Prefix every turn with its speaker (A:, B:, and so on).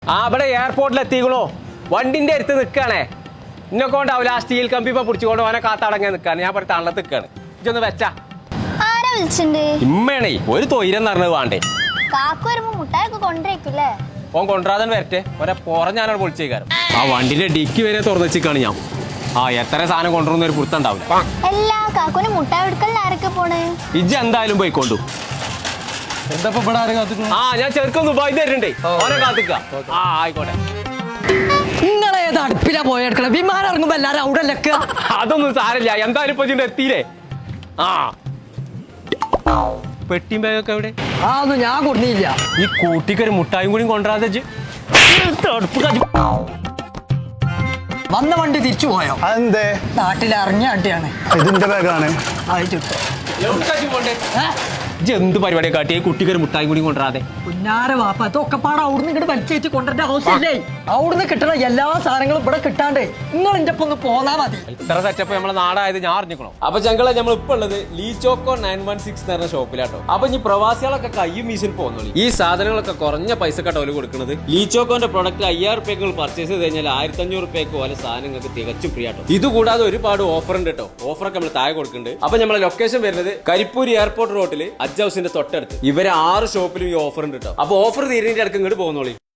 A: ഇവിടെ എയർപോർട്ടിലെത്തിക്കണോ വണ്ടിന്റെ അടുത്ത് നിൽക്കുകയാണേ ഇന്നെ കൊണ്ടാവില്ല ആ സ്റ്റീൽ കമ്പി ഇപ്പൊ പിടിച്ചുകൊണ്ട് ഓനെ കാത്തടങ്ങാൻ നിൽക്കാണ് ഞാൻ പറ തള്ളത്ത് നിൽക്കാണ് ഇതൊന്ന് വെച്ചാ ഇമ്മയാണേ ഒരു തൊയിരം നിറഞ്ഞത് വേണ്ടേ ഓൻ കൊണ്ടുവരാതെ വരട്ടെ ഒരെ പുറം ഞാനവിടെ പൊളിച്ചേക്കാരം ആ വണ്ടിന്റെ ഡിക്കി വരെ തുറന്നു വെച്ചിക്കാണ് ഞാൻ എത്ര സാധനം കൊണ്ടുവരുന്ന ഒരു പുറത്തുണ്ടാവില്ല ഇജ്ജ് എന്തായാലും പോയിക്കൊണ്ടു ഞാൻ ചെറുക്കം ദുബായി തരുന്നുണ്ടേ ഓനെ കാത്തിക്ക ആയിക്കോട്ടെ
B: നിങ്ങളേത് അടുപ്പിലാ പോയെടുക്കണ വിമാനം ഇറങ്ങുമ്പോ എല്ലാരും അവിടെ ലക്കുക
A: അതൊന്നും സാരല്ല എന്തായാലും ഇപ്പൊ ഇതിന്റെ എത്തിയില്ലേ പെട്ടിയും ബാഗൊക്കെ എവിടെ
B: ഒന്നും ഞാൻ കൊടുന്നില്ല
A: ഈ കൂട്ടിക്കൊരു മുട്ടായും കൂടി കൊണ്ടുവരാതെ
B: വന്ന വണ്ടി തിരിച്ചു പോയോ
C: അതെന്തേ
B: നാട്ടിൽ ഇറങ്ങിയ അടിയാണ്
C: ഇതിന്റെ ബാഗാണ്
A: എന്ത് പരിപാടിയെ കാട്ടി കുട്ടിക്കൊരു മുട്ടായും കൂടി കൊണ്ടുവരാതെ
B: കുഞ്ഞാരെ വാപ്പ ഇതൊക്കെ പാടെ അവിടുന്ന് ഇങ്ങോട്ട് വലിച്ചേറ്റ് കൊണ്ടുവരേണ്ട ആവശ്യമില്ലേ അവിടുന്ന് കിട്ടണ എല്ലാ സാധനങ്ങളും ഇവിടെ കിട്ടാണ്ട് നിങ്ങൾ എന്റെ ഒപ്പം ഒന്ന് പോന്നാ മതി
A: ഇത്ര സെറ്റപ്പ് നമ്മളെ നാടായത് ഞാൻ അറിഞ്ഞിക്കണോ അപ്പൊ ഞങ്ങളെ നമ്മൾ ഇപ്പൊ ഉള്ളത് ലീച്ചോക്കോ 916 എന്ന് പറഞ്ഞ ഷോപ്പിലാട്ടോ അപ്പൊ ഈ പ്രവാസികളൊക്കെ കയ്യും വീശിൽ പോകുന്നുള്ളൂ ഈ സാധനങ്ങളൊക്കെ കുറഞ്ഞ പൈസ കട്ടോല് കൊടുക്കുന്നത് ലീച്ചോക്കോന്റെ പ്രൊഡക്റ്റ് 5000 റുപ്യക്ക് പർച്ചേസ് ചെയ്ത് കഴിഞ്ഞാൽ 1500 റുപ്യക്ക് പോലെ സാധനങ്ങൾക്ക് തികച്ചും ഫ്രീ ആട്ടോ ഇത് കൂടാതെ ഒരുപാട് ഓഫർ ഉണ്ട് കേട്ടോ ഓഫറൊക്കെ നമ്മൾ താഴെ കൊടുക്കുന്നുണ്ട് അപ്പൊ നമ്മളെ ലൊക്കേഷൻ വരുന്നത് കരിപ്പൂർ എയർപോർട്ട് റോഡിൽ ഹജ്ജ് ഹൗസിന്റെ തൊട്ടടുത്ത് ഇവരെ 6 ഷോപ്പിലും ഈ ഓഫർ ഉണ്ട് കേട്ടോ അപ്പൊ ഓഫർ തീരുന്നതിന്റെ ഇടയ്ക്ക് ഇങ്ങോട്ട് പോകുന്നോളി